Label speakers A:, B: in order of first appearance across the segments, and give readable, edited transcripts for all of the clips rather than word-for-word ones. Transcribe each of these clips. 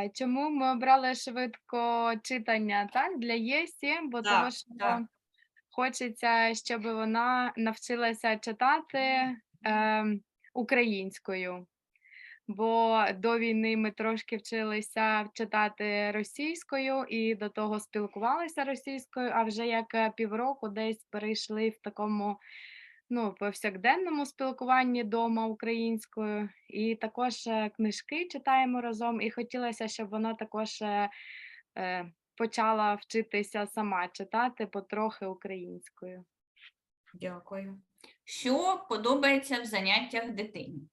A: Чому ми обрали швидко читання, так, для Єсі? Бо того,
B: Так,
A: що
B: так.
A: хочеться, щоб вона навчилася читати, українською. Бо до війни ми трошки вчилися читати російською і до того спілкувалися російською, а вже як, півроку десь перейшли в такому, ну, повсякденному спілкуванні дома українською. І також, книжки читаємо разом, і хотілося, щоб вона також, почала вчитися сама читати потрохи українською.
B: Дякую. Що подобається в заняттях дитині?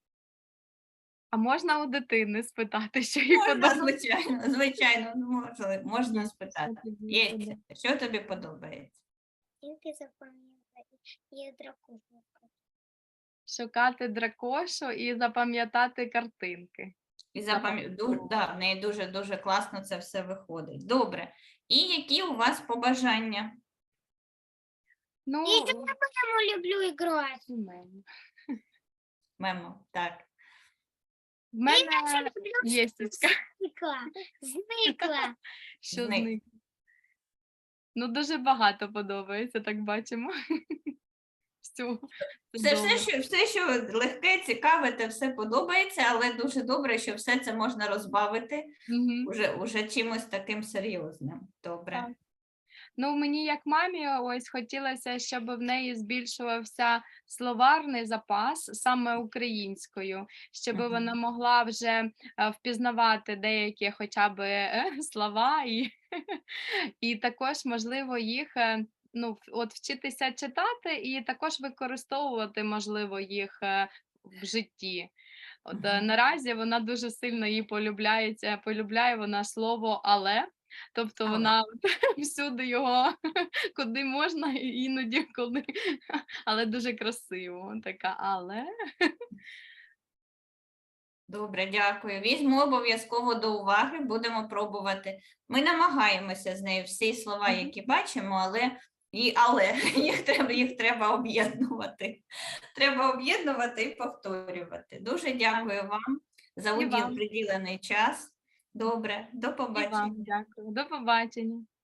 A: А можна у дитини спитати, що їй
B: Можна,
A: подобається?
B: звичайно, ну, можна
A: Що
B: спитати.
A: тобі
B: Є,
A: подобається?
B: що тобі подобається?
C: Тільки запам'ятати і дракошу.
A: Шукати дракошу і запам'ятати картинки.
B: І
A: Запам'ятовувати.
B: да, в неї дуже класно це все виходить. Добре. І які у вас побажання?
A: Ну,
C: Я потому люблю играть.
A: у мене.
B: Мемо, так.
A: В мене
C: Люблю
A: єстечка,
C: зникла.
A: що
B: Зник.
A: зник. Ну, дуже багато подобається, так бачимо. Всього. Це добре.
B: Все, що легке, цікаве, те все подобається, але дуже добре, що все це можна розбавити
A: Мгм.
B: уже чимось таким серйозним. Добре.
A: Так. Ну, мені як мамі ось хотілося, щоб в неї збільшувався словарний запас саме українською, щоб
B: Мгм.
A: вона могла вже впізнавати деякі хоча б слова і також, можливо, їх ну, от вчитися читати і також використовувати, можливо, їх в житті. От
B: Мгм.
A: наразі вона дуже сильно її полюбляє вона слово але. Тобто
B: Але.
A: вона всюди його куди можна, і іноді коли, але дуже красиво. Така але.
B: Добре, дякую. Візьму обов'язково до уваги, будемо пробувати. Ми намагаємося з нею всі слова,
A: Мгм.
B: які бачимо, але їх треба об'єднувати. Треба об'єднувати і повторювати. Дуже дякую вам за
A: І вам,
B: приділений час. Добре, до
A: і вам
B: побачення.
A: дякую. До побачення.